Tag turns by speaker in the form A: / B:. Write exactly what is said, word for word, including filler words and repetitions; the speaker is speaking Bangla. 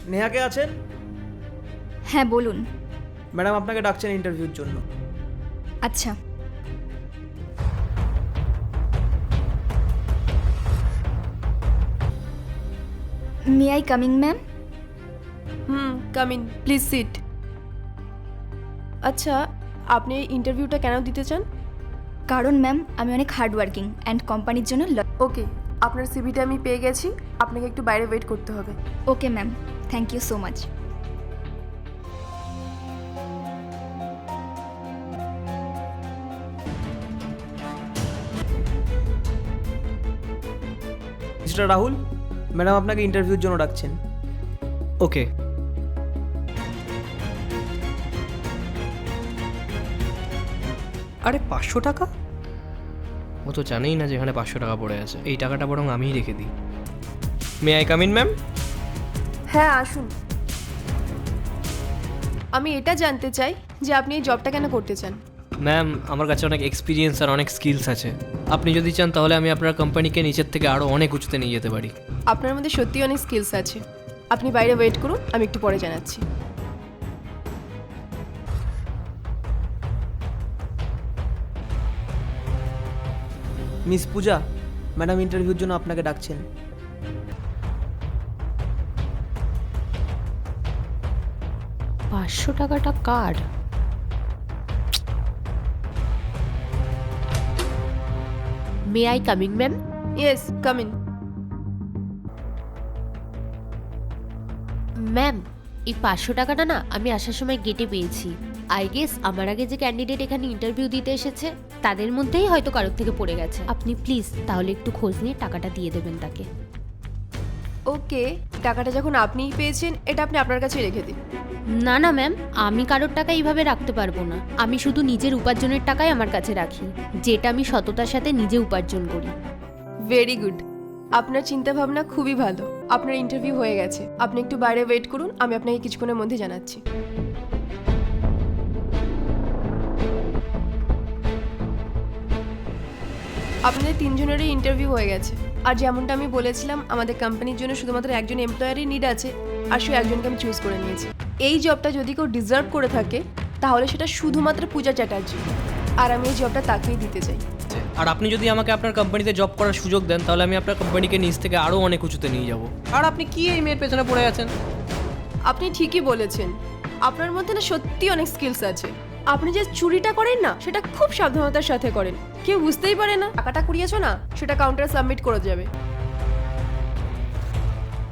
A: নেহা কে আছেন?
B: হ্যাঁ বলুন।
A: ম্যাডাম আপনাকে ডাকছেন ইন্টারভিউর জন্য।
B: আচ্ছা। May I coming ma'am?
C: হুম, কাম ইন, প্লিজ সিট। আচ্ছা, আপনি এই ইন্টারভিউটা কেন দিতে চান?
B: কারণ ম্যাম আমি অনেক হার্ড ওয়ার্কিং অ্যান্ড কোম্পানির জন্য।
C: ওকে, আপনার সিভিটা আমি পেয়ে গেছি, আপনাকে একটু বাইরে ওয়েট করতে হবে।
B: Okay ma'am, thank you so much.
A: Mister Rahul, madam আপনাকে ইন্টারভিউর জন্য ডাকছেন।
D: ওকে। আরে পাঁচশো টাকা? ও তো জানেই না যে এখানে পাঁচশো টাকা পড়ে আছে। এই টাকাটা বরং আমিই রেখে দিই। May I come in ma'am?
C: হ্যাঁ, আসুন। আমি এটা জানতে চাই যে আপনি এই জবটা কেন করতে চান?
D: ম্যাম, আমার কাছে অনেক এক্সপিরিয়েন্স আর অনেক স্কিলস আছে। আপনি যদি চান তাহলে আমি আপনার কোম্পানিকে নিচের থেকে আরও অনেক উঁচুতে নিয়ে যেতে পারি।
C: আপনার মধ্যে সত্যি অনেক স্কিলস আছে। আপনি বাইরে ওয়েট করুন, আমি একটু পরে জানাচ্ছি।
A: মিস পূজা, ম্যাডাম ইন্টারভিউর জন্য আপনাকে ডাকছেন।
E: পাঁচশো টাকাটা কার? May I coming ma'am?
C: Yes, come in.
E: Ma'am, এই পাঁচশো টাকাটা না আমি আসার সময় গেটে পেয়েছি। আই গেস আমার আগে যে ক্যান্ডিডেট এখানে ইন্টারভিউ দিতে এসেছে তাদের মধ্যেই হয়তো কারোর থেকে পড়ে গেছে। আপনি প্লিজ তাহলে একটু খোঁজ নিয়ে টাকাটা দিয়ে দেবেন তাকে।
C: ওকে, টাকাটা যখন আপনিই পেয়েছেন, এটা আপনি আপনার কাছেই রেখে দিন।
E: না না ম্যাম, আমি কারোর টাকা এইভাবে রাখতে পারবো না। আমি শুধু নিজের উপার্জনের টাকাই আমার কাছে রাখি, যেটা আমি সততার সাথে নিজে উপার্জন করি।
C: ভেরি গুড, আপনার চিন্তা ভাবনা খুবই ভালো। আপনার ইন্টারভিউ হয়ে গেছে, আপনি একটু বাইরে ওয়েট করুন, আমি আপনাকে কিছুক্ষণের মধ্যে জানাচ্ছি। আপনাদের তিনজনেরই ইন্টারভিউ হয়ে গেছে। আর যেমনটা আমি বলেছিলাম, আমাদের কোম্পানির জন্য শুধুমাত্র একজন এমপ্লয়ারই নিড আছে, আর সে একজনকে আমি চুজ করে নিয়েছি। এই জবটা যদি কেউ ডিজার্ভ করে থাকে তাহলে সেটা শুধুমাত্র পূজা চ্যাটার্জি, আর আমি এই জবটা তাকেই দিতে চাই।
D: আর আপনি যদি আমাকে আপনার কোম্পানিতে জব করার সুযোগ দেন তাহলে আমি আপনার কোম্পানিকে নিচ থেকে আরও অনেক উঁচুতে নিয়ে যাব। আর আপনি কি এই মেয়ের পেছনে পড়ে আছেন?
C: আপনি ঠিকই বলেছেন, আপনার মধ্যে না সত্যি অনেক স্কিলস আছে। আপনি যে চুরিটা করেন না, সেটা খুব সাবধানতার সাথে করেন। কেউ বুঝতেই পারে না টাকাটা কুড়িয়েছো না, সেটা কাউন্টারে সাবমিট করে যাবে।